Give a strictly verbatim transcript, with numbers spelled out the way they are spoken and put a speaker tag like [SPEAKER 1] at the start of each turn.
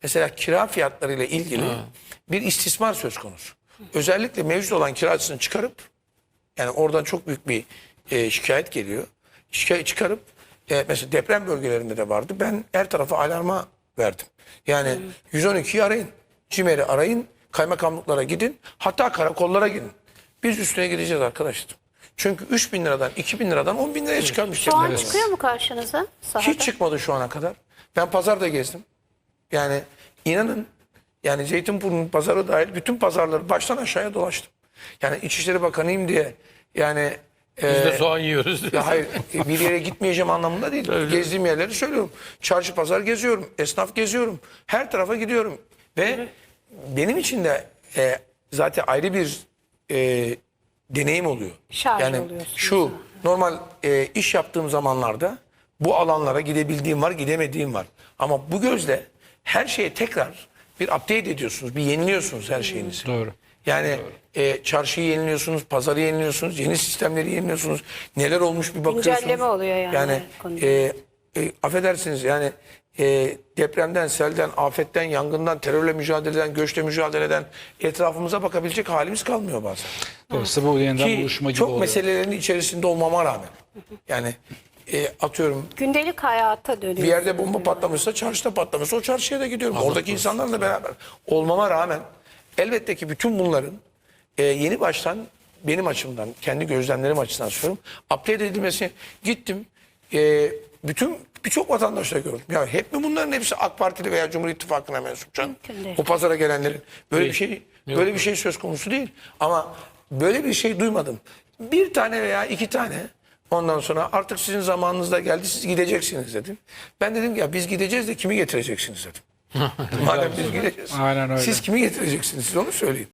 [SPEAKER 1] mesela kira fiyatlarıyla ilgili
[SPEAKER 2] Ha.
[SPEAKER 1] bir istismar söz konusu. Özellikle mevcut olan kiracısını çıkarıp, yani oradan çok büyük bir e, şikayet geliyor. Şikayet çıkarıp e, mesela deprem bölgelerinde de vardı. Ben her tarafa alarma verdim. Yani yüz on ikiyi arayın, CİMER'i arayın, kaymakamlıklara gidin, hatta karakollara gidin. Biz üstüne gideceğiz arkadaşlar. Çünkü üç bin liradan, iki bin liradan on bin liraya çıkarmış.
[SPEAKER 3] Şu an
[SPEAKER 1] deprem.
[SPEAKER 3] çıkıyor mu karşınıza sahada?
[SPEAKER 1] Hiç çıkmadı şu ana kadar. Ben pazarda gezdim. Yani inanın, yani Zeytinburnu pazarı dahil bütün pazarları baştan aşağıya dolaştım. Yani İçişleri Bakanıyım diye yani
[SPEAKER 2] Biz
[SPEAKER 1] e,
[SPEAKER 2] de soğan yiyoruz.
[SPEAKER 1] ya hayır, bir yere gitmeyeceğim anlamında değil. Gezdiğim yerleri söylüyorum. Çarşı pazar geziyorum, esnaf geziyorum. Her tarafa gidiyorum. Ve benim için de e, zaten ayrı bir e, deneyim oluyor.
[SPEAKER 3] Şarj
[SPEAKER 1] yani
[SPEAKER 3] oluyorsunuz.
[SPEAKER 1] şu normal e, iş yaptığım zamanlarda bu alanlara gidebildiğim var, gidemediğim var. Ama bu gözle her şeye tekrar bir update ediyorsunuz, bir yeniliyorsunuz her şeyinizi.
[SPEAKER 2] Doğru.
[SPEAKER 1] Yani e, çarşıyı yeniliyorsunuz, pazarı yeniliyorsunuz, yeni sistemleri yeniliyorsunuz. Neler olmuş bir bakıyorsunuz.
[SPEAKER 3] Güncelleme oluyor yani
[SPEAKER 1] Yani
[SPEAKER 3] konuda.
[SPEAKER 1] e, e, affedersiniz yani e, depremden, selden, afetten, yangından, terörle mücadeleden, göçle mücadeleden etrafımıza bakabilecek halimiz kalmıyor bazen.
[SPEAKER 4] Dolayısıyla bu yeniden
[SPEAKER 1] Ki
[SPEAKER 4] buluşma gibi
[SPEAKER 1] çok
[SPEAKER 4] oluyor.
[SPEAKER 1] meselelerin içerisinde olmama rağmen. Yani e, atıyorum
[SPEAKER 3] Gündelik hayata dönüyor.
[SPEAKER 1] bir yerde bomba patlamışsa, çarşıda patlamışsa o çarşıya da gidiyorum. Oradaki insanlarla beraber olmama rağmen elbette ki bütün bunların e, yeni baştan benim açımdan, kendi gözlemlerim açısından söylüyorum. Update edilmesi gittim. E, bütün birçok vatandaşla gördüm. Ya hep mi bunların hepsi AK Partili veya Cumhur İttifakı'na mensup canım?
[SPEAKER 3] Mümkün değil.
[SPEAKER 1] O pazara gelenlerin böyle bir
[SPEAKER 2] Değil.
[SPEAKER 1] şey böyle bir şey söz konusu değil. Ama böyle bir şey duymadım. Bir tane veya iki tane. Ondan sonra artık sizin zamanınız da geldi, siz gideceksiniz dedim. Ben dedim ki ya biz gideceğiz de kimi getireceksiniz dedim. Madem biz gideceğiz.
[SPEAKER 4] Aynen öyle.
[SPEAKER 1] Siz kimi getireceksiniz, siz onu söyleyin.